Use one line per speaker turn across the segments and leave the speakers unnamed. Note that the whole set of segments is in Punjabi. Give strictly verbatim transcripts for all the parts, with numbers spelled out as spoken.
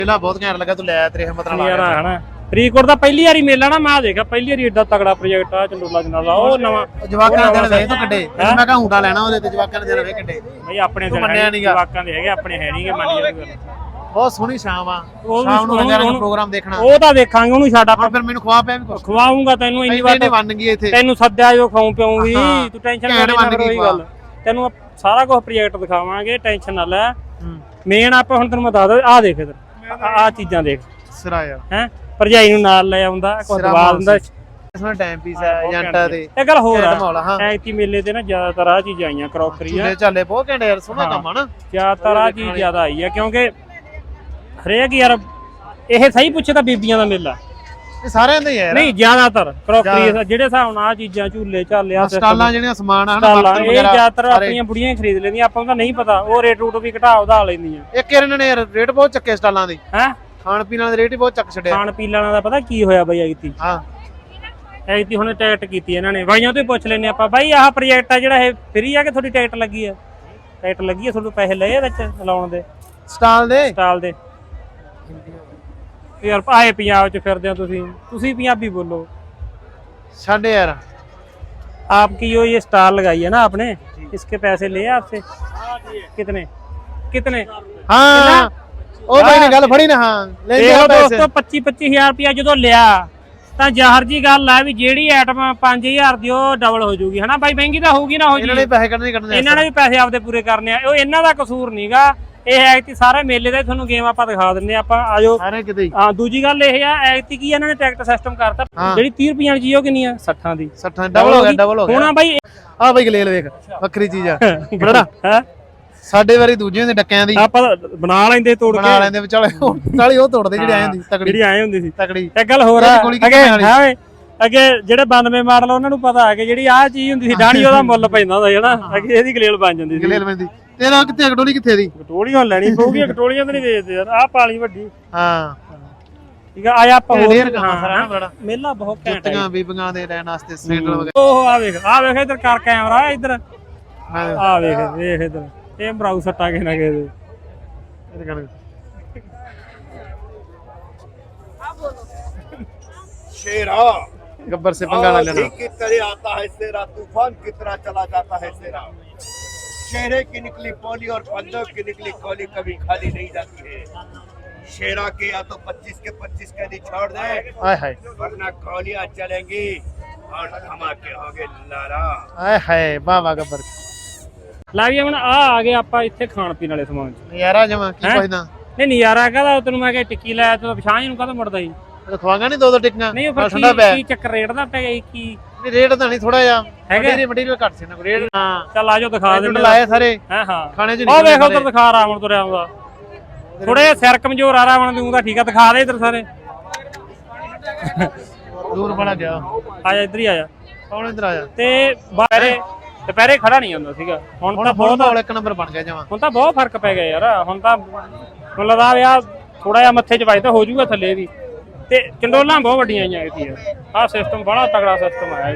ਮੇਲਾ ਬਹੁਤ ਘੈਂਟ ਲੱਗਾ, ਤੂੰ ਲੈ ਤੇਰੇ ਹਿੰਮਤ ਨਾਲ
ਯਾਰ ਹਨਾ ਫਰੀਦਕੋਟ ਦਾ ਪਹਿਲੀ ਵਾਰੀ ਮੇਲਾ ਨਾ ਮੈਂ ਦੇਖਿਆ ਪਹਿਲੀ ਵਾਰੀ ਏਡਾ ਤਗੜਾ ਪ੍ਰੋਜੈਕਟ ਆ ਚੰਡੋਲਾ ਜਨਾਬ ਦਾ। ਉਹ ਨਵਾਂ
ਜਵਾਕਾਂ ਦੇ ਵੇ ਤੋਂ ਕੱਢੇ ਮੈਂ ਕਹਾਂ ਊਂਟਾ ਲੈਣਾ ਉਹਦੇ ਤੇ ਜਵਾਕਾਂ ਦੇ ਵੇ ਕੱਢੇ
ਬਈ ਆਪਣੇ ਜਵਾਕਾਂ ਦੇ ਹੈਗੇ ਆਪਣੇ ਹੈ ਨਹੀਂਗੇ ਮੰਨ ਜਾਂਦੇ।
ਬਹੁਤ ਸੋਹਣੀ ਸ਼ਾਮ ਆ, ਸ਼ਾਮ ਨੂੰ ਲੰਗਰ ਦਾ ਪ੍ਰੋਗਰਾਮ ਦੇਖਣਾ
ਉਹ ਤਾਂ ਦੇਖਾਂਗੇ ਉਹਨੂੰ ਛੱਡ ਆਪਾਂ।
ਫਿਰ ਮੈਨੂੰ ਖਵਾ ਪਿਆ ਵੀ ਕੁਛ
ਖਵਾਉਂਗਾ ਤੈਨੂੰ ਇੰਨੀ ਵਾਰ
ਬਣ ਗਈ ਇੱਥੇ
ਤੈਨੂੰ ਸੱਦਿਆ ਜੋ ਖਾਉਂ ਪਿਉਂ ਵੀ ਤੂੰ ਟੈਨਸ਼ਨ ਨਾ ਲੈ ਕੋਈ ਗੱਲ ਤੈਨੂੰ ਸਾਰਾ ਕੁਝ ਪ੍ਰੋਜੈਕਟ ਦਿਖਾਵਾਂਗੇ ਟੈਨਸ਼ਨ ਨਾ ਲੈ। ਮੇਨ ਆਪਾਂ ਹੁਣ ਤੈਨੂੰ ਮੈਂ ਦੱਸ ਦ ਆ ਦੇਖ ਇਧਰ ਆ ਚੀਜ਼ਾਂ ਦੇਖ
ਸਿਰਾ ਯਾਰ
ਹੈ ਭਰਜਾਈ ਨੂੰ ਨਾਲ ਲੈ ਆਉਂਦਾ ਕੁਝ ਦਵਾ ਦਿੰਦਾ
ਇਸमें ਟਾਈਮ ਪੀਸ ਹੈ ਏਜੰਟਾਂ ਦੇ।
ਇਹ ਗੱਲ ਹੋਰ ਆ ਐਤੀ ਮੇਲੇ ਤੇ ਨਾ ਜ਼ਿਆਦਾਤਰ ਆ ਚੀਜ਼ਾਂ ਆਈਆਂ ਕਰੋਕਰੀ ਆ
ਚੱਲੇ ਬਹੁਤ ਘੰਟੇ ਯਾਰ ਸੋਹਣਾ ਕੰਮ ਆ ਨਾ
ਜ਼ਿਆਦਾਤਰ ਆ ਚੀਜ਼ ਜ਼ਿਆਦਾ ਆਈ ਆ ਕਿਉਂਕਿ ਹਰੇਕ ਯਾਰ ਇਹ ਸਹੀ ਪੁੱਛੇ ਤਾਂ ਬੀਬੀਆਂ ਦਾ ਮੇਲਾ
ਇਹ ਸਾਰਿਆਂ ਦਾ ਹੀ ਹੈ
ਨਹੀਂ ਜ਼ਿਆਦਾਤਰ ਕਰੋਕਰੀ ਜਿਹੜੇ ਹਿਸਾਬ ਨਾਲ ਆ ਚੀਜ਼ਾਂ ਝੂਲੇ ਝਾਲਿਆ
ਸਟਾਲਾਂ ਜਿਹੜੀਆਂ ਸਮਾਨ ਆ
ਨਾ ਇਹ ਜ਼ਿਆਦਾਤਰ ਆਪਣੀਆਂ ਬੁੜੀਆਂ ਖਰੀਦ ਲੈਂਦੀਆਂ ਆਪਾਂ ਨੂੰ ਤਾਂ ਨਹੀਂ ਪਤਾ ਉਹ ਰੇਟ ਰੂਟ ਵੀ ਘਟਾ ਵਧਾ ਲੈਂਦੀਆਂ।
ਇੱਕ ਇਹਨਾਂ ਨੇ ਰੇਟ ਬਹੁਤ ਚੱਕੇ ਸਟਾਲਾਂ ਦੇ
ਹੈ
ਖਾਣ ਪੀਣ ਵਾਲੇ ਰੇਟ ਹੀ ਬਹੁਤ ਚੱਕ ਛੱਡਿਆ।
ਖਾਣ ਪੀਣ ਵਾਲਾ ਦਾ ਪਤਾ ਕੀ ਹੋਇਆ ਬਈ ਐਤੀ
ਹਾਂ
ਐਤੀ ਹੁਣ ਟਿਕਟ ਕੀਤੀ ਇਹਨਾਂ ਨੇ ਬਾਈਆਂ ਤੋਂ ਹੀ ਪੁੱਛ ਲੈਨੇ ਆਪਾਂ ਬਾਈ ਆਹ ਪ੍ਰੋਜੈਕਟ ਆ ਜਿਹੜਾ ਇਹ ਫ੍ਰੀ ਆ ਕਿ ਤੁਹਾਡੀ ਟਿਕਟ ਲੱਗੀ ਆ? ਟਿਕਟ ਲੱਗੀ ਆ ਤੁਹਾਨੂੰ ਪੈਸੇ ਲਏ ਵਿੱਚ ਲਾਉਣ ਦੇ
ਸਟਾਲ ਦੇ
ਸਟਾਲ ਦੇ यार आए पंजाब च फिरदे हो तुसी तुसी पंजाबी बोलो
छाड़े यार
आपकी यो ये स्टाल लगाई है ना आपने इसके पैसे लिए आपसे कितने कितने
हाँ ओ भाई ने गल फड़ी ना हाँ ले लिया पैसे
दोस्तों पच्चीस पच्चीस हजार रुपया जो लिया ਤਾਂ ਜ਼ਾਹਰ ਜੀ ਗੱਲ ਹੈ ਵੀ ਜਿਹੜੀ ਆਈਟਮ ਪੰਜ ਹਜ਼ਾਰ ਦੀ ਉਹ ਡਬਲ ਹੋ ਜਾਊਗੀ ਹਨਾ ਬਾਈ ਮਹਿੰਗੀ ਤਾਂ ਹੋਊਗੀ ਨਾ ਹੋ ਜੀ
ਇਹਨਾਂ ਨੇ ਪੈਸੇ ਕੱਢਣੇ ਕੱਢਣੇ
ਇਹਨਾਂ ਨੇ ਵੀ ਪੈਸੇ ਆਪਦੇ ਪੂਰੇ ਕਰਨੇ ਆ ਉਹ ਇਹਨਾਂ ਦਾ ਕਸੂਰ ਨਹੀਂਗਾ। ਇਹ ਐਕਤੀ ਸਾਰੇ ਮੇਲੇ ਦਾ ਤੁਹਾਨੂੰ ਗੇਮ ਆਪਾਂ ਦਿਖਾ ਦਿੰਨੇ ਆਪਾਂ ਆਜੋ
ਸਾਰੇ ਕਿਤੇ
ਹਾਂ। ਦੂਜੀ ਗੱਲ ਇਹ ਆ ਐਕਤੀ ਕੀ ਇਹਨਾਂ ਨੇ ਟਿਕਟ ਸਿਸਟਮ ਕਰਤਾ ਜਿਹੜੀ ਤੀਹ ਰੁਪਈਆਂ ਦੀ ਚੀਜ਼ ਉਹ ਕਿੰਨੀ ਆ ਸੱਠਾਂ ਦੀ
ਸੱਠਾਂ ਡਬਲ ਹੋ ਗਿਆ ਡਬਲ ਹੋ ਗਿਆ
ਹੁਣ ਬਾਈ
ਆ ਬਾਈ ਗਲੇਲ ਵੇਖ ਵੱਖਰੀ ਚੀਜ਼ ਆ ਬੜਾ
ਹੈ
ਸਾਡੇ ਵਾਰੀ ਦੂਜਿਆਂ ਦੇ ਡੱਕਿਆਂ ਦੀ
ਆਪਾਂ ਬਣਾ ਲੈਂਦੇ ਤੋੜ ਕੇ
ਬਣਾ ਲੈਂਦੇ ਵਿਚਾਲੇ ਨਾਲੇ ਉਹ ਤੋੜਦੇ ਜਿਹੜੇ ਆਏ ਹੁੰਦੀ ਤਕੜੀ
ਜਿਹੜੀ ਆਏ ਹੁੰਦੀ ਸੀ
ਤਕੜੀ
ਇੱਕ ਗੱਲ ਹੋਰ ਆ ਅੱਗੇ ਹਾਂ ਵੇ ਅੱਗੇ ਜਿਹੜੇ ਬਾਨਵੇਂ ਮਾਡਲ ਉਹਨਾਂ ਨੂੰ ਪਤਾ ਆ ਕਿ ਜਿਹੜੀ ਆਹ ਚੀਜ਼ ਹੁੰਦੀ ਸੀ ਡਾਣੀ ਉਹਦਾ ਮੁੱਲ ਪੈਂਦਾ ਹੁੰਦਾ ਜਿਹੜਾ ਅੱਗੇ ਇਹਦੀ ਗਲੇਲ ਬਣ ਜਾਂਦੀ ਸੀ
ਗਲੇਲ ਪੈਂਦੀ। ਤੇਰਾ ਕਿੱਥੇ ਕਟੋਲੀ ਕਿੱਥੇ ਦੀ
ਕਟੋਲੀਆਂ ਲੈਣੀ ਪਊਗੀ ਕਟੋਲੀਆਂ ਤਾਂ ਨਹੀਂ ਵੇਚਦੇ ਯਾਰ ਆਹ ਪਾਲੀ ਵੱਡੀ
ਹਾਂ
ਠੀਕ ਆ ਆਇਆ ਆਪਾਂ
ਹੋਰ ਹਾਂ ਬੜਾ
ਮੇਲਾ ਬਹੁਤ ਘੈਂਟ
ਜੁੱਤੀਆਂ ਬੀਬੀਆਂ ਦੇ ਲੈਣ ਵਾਸਤੇ ਸੈਂਡਲ ਵਗੈਰਾ।
ਉਹ ਆ ਵੇਖ ਆ ਵੇਖ ਇਧਰ ਕਰ ਕੈਮਰਾ ਇਧਰ ਆ ਵੇਖ ਵੇਖ ਇਧਰ ਇਹ ਬਰਾਊ ਸੱਟਾ ਕੇ ਨਾ ਕੇ
शेरा
गब्बर से पंगा ना लेना
की तरह आता है शेरा तूफान की तरह चला जाता है शेरा। शेरे की निकली पोली और पंजाब की निकली कोली कभी खाली नहीं जाती है। शेरा के या तो पच्चीस के पच्चीस कैदी छोड़ दे
हाय हाय
वरना गोलियां चलेंगी और धमाके होंगे लारा।
हाय हाय वाह वाह गब्बर
ਲਾ ਵੀ ਹੁਣ ਆ ਆ ਗਏ ਆਪਾਂ ਇੱਥੇ ਖਾਣ ਪੀਣ ਵਾਲੇ ਸਮਾਨ ਚ
ਨਜ਼ਾਰਾ ਜਮਾ ਕੀ ਪੁੱਛਦਾ
ਨਹੀਂ ਨਜ਼ਾਰਾ ਕਹਦਾ ਤੈਨੂੰ ਮੈਂ ਕਿਹਾ ਟਿੱਕੀ ਲਾਇਆ ਤੂੰ ਪਛਾਣ ਨੂੰ ਕਾਹਤੋਂ ਮੁੜਦਾ ਸੀ
ਖਵਾਗਾ ਨਹੀਂ ਦੋ ਦੋ ਟਿੱਕੀਆਂ
ਨਹੀਂ ਉਹ ਠੰਡਾ ਪਿਆ ਕੀ ਚੱਕਰ ਰੇਟ ਦਾ ਪੈ ਗਿਆ ਕੀ
ਨਹੀਂ ਰੇਟ ਤਾਂ ਨਹੀਂ ਥੋੜਾ ਜਿਹਾ
ਹੈਗਾ
ਮਟੀਰੀਅਲ ਘੱਟ ਸੀ ਨਾ ਰੇਟ ਹਾਂ
ਚੱਲ ਆਜੋ ਦਿਖਾ ਦੇ
ਲਾਏ ਸਾਰੇ
ਹਾਂ ਹਾਂ
ਖਾਣੇ ਚ
ਉਹ ਵੇਖ ਉਧਰ ਦਿਖਾ ਰਾਵਣ ਤੁਰਿਆ ਆਉਂਦਾ ਥੋੜੇ ਸਿਰ ਕਮਜ਼ੋਰ ਆ ਰਾਵਣ ਦੀ ਉਹਦਾ ਠੀਕ ਆ ਦਿਖਾ ਦੇ ਇਧਰ ਸਾਰੇ
ਦੂਰ ਬੜਾ ਗਿਆ
ਆ ਜਾ ਇਧਰ ਹੀ ਆ ਜਾ
ਕੌਣ ਇਧਰ ਆਇਆ
ਤੇ ਬਾਹਰੇ ਦੁਪਹਿਰੇ ਖੜਾ ਨਹੀਂ ਜਾਂਦਾ ਸੀਗਾ ਹੁਣ ਤਾਂ ਬਹੁਤ
ਇੱਕ ਨੰਬਰ ਬਣ ਗਿਆ ਜਮਾ
ਹੁਣ ਤਾਂ ਬਹੁਤ ਫਰਕ ਪੈ ਗਿਆ ਯਾਰ ਹੁਣ ਤਾਂ ਮੈਨੂੰ ਲੱਗਦਾ ਵੀ ਆ ਥੋੜਾ ਜਿਹਾ ਮੱਥੇ 'ਚ ਵੱਜਦਾ ਹੋ ਜਾਊਗਾ ਥੱਲੇ ਵੀ ਤੇ ਚੰਡੋਲਾਂ ਬਹੁਤ ਵੱਡੀਆਂ ਆਈਆਂ ਇੱਥੇ ਆਹ ਸਿਸਟਮ ਬੜਾ ਤਗੜਾ ਸਿਸਟਮ ਆਇਆ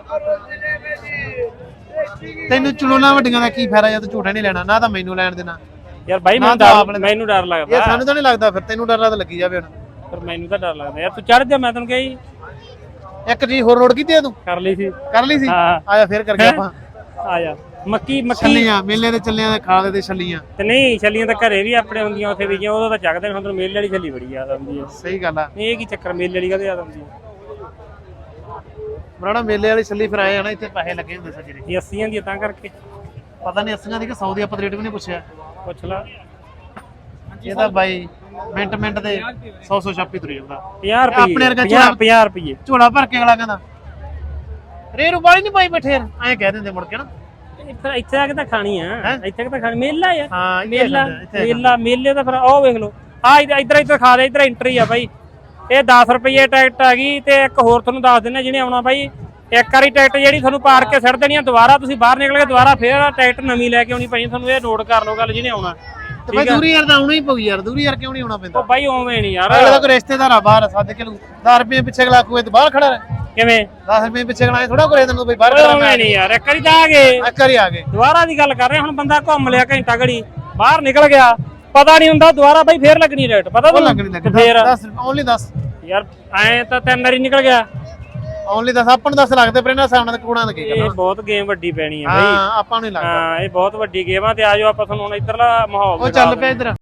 ਤੈਨੂੰ ਚੰਡੋਲਾਂ ਵੱਡੀਆਂ ਦਾ ਕੀ ਫਾਇਦਾ ਜਦ ਝੂਠੇ ਨਹੀਂ ਲੈਣਾ ਨਾ ਤਾਂ ਮੈਨੂੰ ਲੈਣ ਦੇਣਾ
ਯਾਰ ਬਾਈ ਮੈਨੂੰ ਡਰ ਮੈਨੂੰ ਡਰ ਲੱਗਦਾ
ਯਾਰ ਸਾਨੂੰ ਤਾਂ ਨਹੀਂ ਲੱਗਦਾ ਫਿਰ ਤੈਨੂੰ ਡਰ ਲੱਗਦਾ ਲੱਗੀ ਜਾਵੇ ਹੁਣ
ਪਰ ਮੈਨੂੰ ਤਾਂ ਡਰ ਲੱਗਦਾ ਯਾਰ ਤੂੰ ਚੜ ਜਾ ਮੈਂ ਤੈਨੂੰ ਕਹੀ
ਇੱਕ ਚੀਜ਼ ਹੋਰ ਨੋਟ ਕੀਤੀ ਆ ਤੂੰ
ਕਰ ਲਈ ਸੀ
ਕਰ ਲਈ ਸੀ ਆਇਆ ਫਿਰ ਕਰ ਗਿਆ ਆਪਾਂ
ਆਇਆ ਮੱਕੀ ਮੱਕੀ
ਛੱਲੀਆਂ ਮੇਲੇ ਦੇ ਚੱਲਿਆਂ ਦੇ ਖਾਲੇ ਦੇ ਛੱਲੀਆਂ
ਤੇ ਨਹੀਂ ਛੱਲੀਆਂ ਤਾਂ ਘਰੇ ਵੀ ਆਪਣੇ ਹੁੰਦੀਆਂ ਉੱਥੇ ਵੀ ਗਿਆ ਉਦੋਂ ਤਾਂ ਚੱਕਦੇ ਨੇ ਹੁਣ ਮੇਲੇ ਵਾਲੀ ਛੱਲੀ ਬੜੀ ਯਾਦ ਆਉਂਦੀ ਹੈ।
ਸਹੀ ਗੱਲ ਆ
ਇਹ ਕੀ ਚੱਕਰ ਮੇਲੇ ਵਾਲੀ ਕਦੇ ਯਾਦ ਆਉਂਦੀ ਹੈ
ਬਰਾੜਾ ਮੇਲੇ ਵਾਲੀ ਛੱਲੀ ਫਿਰ ਆਏ ਹਨਾ ਇੱਥੇ ਪੈਸੇ ਲੱਗੇ ਹੁੰਦੇ ਸੱਜੇ
ਇਹ ਅੱਸੀਆਂ ਦੀ ਤਾਂ ਕਰਕੇ
ਪਤਾ ਨਹੀਂ ਅੱਸੀਆਂ ਦੀ ਕਿ ਸੌ ਦੀ ਆਪਾਂ ਰੇਟ ਵੀ ਨਹੀਂ ਪੁੱਛਿਆ
ਪੁੱਛ ਲਾ
ਇਹ ਤਾਂ ਬਾਈ ਮਿੰਟ ਮਿੰਟ ਦੇ ਸੌ ਸੌ ਛਾਪੀ ਤੁਰੀ ਜਾਂਦਾ
ਪੰਜਾਹ ਰੁਪਏ
ਆਪਣੇ ਵਰਗਾ
ਪੰਜਾਹ ਰੁਪਏ
ਝੋਲਾ ਭਰ ਕੇ ਅਗਲਾ ਕਹਿੰਦਾ ਰੇ ਰੁਪਾਲੀ ਨਹੀਂ ਪਾਈ ਬੈਠੇ ਐਂ ਕਹਿ ਦਿੰਦੇ ਮੁੜ ਕੇ ਨਾ
ਇੱਥੇ ਇੱਥੇ ਆ ਕੇ ਤਾਂ ਖਾਣੀ ਆ ਇੱਥੇ ਤਾਂ ਖਾਣੀ ਮੇਲਾ ਯਾਰ
ਹਾਂ
ਮੇਲਾ ਮੇਲਾ ਮੇਲੇ ਦਾ ਫਿਰ ਉਹ ਵੇਖ ਲਓ ਆ ਇਧਰ ਇਧਰ ਖਾ ਦੇ ਇਧਰ ਐਂਟਰੀ ਆ ਬਾਈ ਇਹ ਦਸ ਰੁਪਏ ਟਿਕਟ ਆ ਗਈ ਤੇ ਇੱਕ ਹੋਰ ਤੁਹਾਨੂੰ ਦੱਸ ਦਿੰਦੇ ਜਿਹਨੇ ਆਉਣਾ ਬਾਈ ਇੱਕ ਵਾਰੀ ਟਿਕਟ ਜਿਹੜੀ ਤੁਹਾਨੂੰ ਪਾਰ ਕੇ ਛੱਡ ਦੇਣੀ ਆ ਦੁਬਾਰਾ ਤੁਸੀਂ ਬਾਹਰ ਨਿਕਲ ਕੇ ਦੁਬਾਰਾ ਫੇਰ ਟਿਕਟ ਨਵੀਂ ਲੈ ਕੇ ਆਉਣੀ ਪਈ ਤੁਹਾਨੂੰ ਇਹ ਨੋਟ ਕਰ ਲਓ ਗੱਲ ਜਿਹਨੇ ਆਉਣਾ
ਤੇ ਬਾਈ ਦੂਰੀ ਯਾਰ ਤਾਂ ਆਉਣਾ ਹੀ ਪਊ ਯਾਰ ਦੂਰੀ ਯਾਰ ਕਿਉਂ ਨਹੀਂ ਆਉਣਾ ਪੈਂਦਾ
ਉਹ ਬਾਈ ਉਵੇਂ ਨਹੀਂ ਯਾਰ
ਅਗਲਾ ਕੋਈ ਰਿਸ਼ਤੇਦਾਰ ਆ ਬਾਹਰ ਸੱਦ ਕੇ ਲੂ ਦਸ ਰੁਪਏ ਪਿੱਛੇ ਅਗਲਾ ਕੋਈ ਤੇ ਬਾਹਰ ਖੜਾ ਰਹਿ
ਕਿਵੇਂ
ਦਸ ਰੁਪਏ ਪਿੱਛੇ ਅਗਲਾ ਥੋੜਾ ਕਰੇ ਤੈਨੂੰ ਬਈ ਬਾਹਰ ਖੜਾ
ਉਵੇਂ ਨਹੀਂ ਯਾਰ ਇੱਕ ਵਾਰੀ ਤਾਂ ਆ ਗਏ
ਇੱਕ ਵਾਰੀ ਆ ਗਏ
ਦੁਬਾਰਾ ਦੀ ਗੱਲ ਕਰ ਰਹੇ ਹੁਣ ਬੰਦਾ ਘੁੰਮ ਲਿਆ ਘੰਟਾ ਘੜੀ ਬਾਹਰ ਨਿਕਲ ਗਿਆ ਪਤਾ ਨਹੀਂ ਹੁੰਦਾ ਦੁਬਾਰਾ ਬਾਈ ਫੇਰ ਲੱਗਣੀ ਰੇਟ ਪਤਾ
ਉਹ
ਤੁਹਾਨੂੰ
ਲੱਗਣੀ ਲੱਗ
ਫੇਰ
ਦਸ ਓਨਲੀ ਦਸ
ਯਾਰ ਐ ਤਾਂ ਤਿੰਨ ਵਾਰੀ ਨਿਕਲ ਗਿਆ
ਓਨਲੀ ਦਸ ਆਪਾਂ ਨੂੰ ਦਸ ਲੱਗਦੇ ਪਰ ਇਹਨਾਂ ਸਾਹਮਣੇ ਕੂੜਾਂ ਦਾ ਕੀ
ਇਹ
ਕਰਨਾ
ਬਹੁਤ ਗੇਮ ਵੱਡੀ ਪੈਣੀ ਆ ਬਾਈ
ਹਾਂ ਆਪਾਂ ਨੂੰ ਨਹੀਂ ਲੱਗਦਾ
ਹਾਂ ਇਹ ਬਹੁਤ ਵੱਡੀ ਗੇਮ ਆ ਤੇ ਆਜੋ ਆਪਾਂ ਤੁਹਾਨੂੰ ਹੁਣ ਇਧਰਲਾ ਮਾਹੌਲ
ਉਹ ਚੱਲ ਪਿਆ ਇਧਰ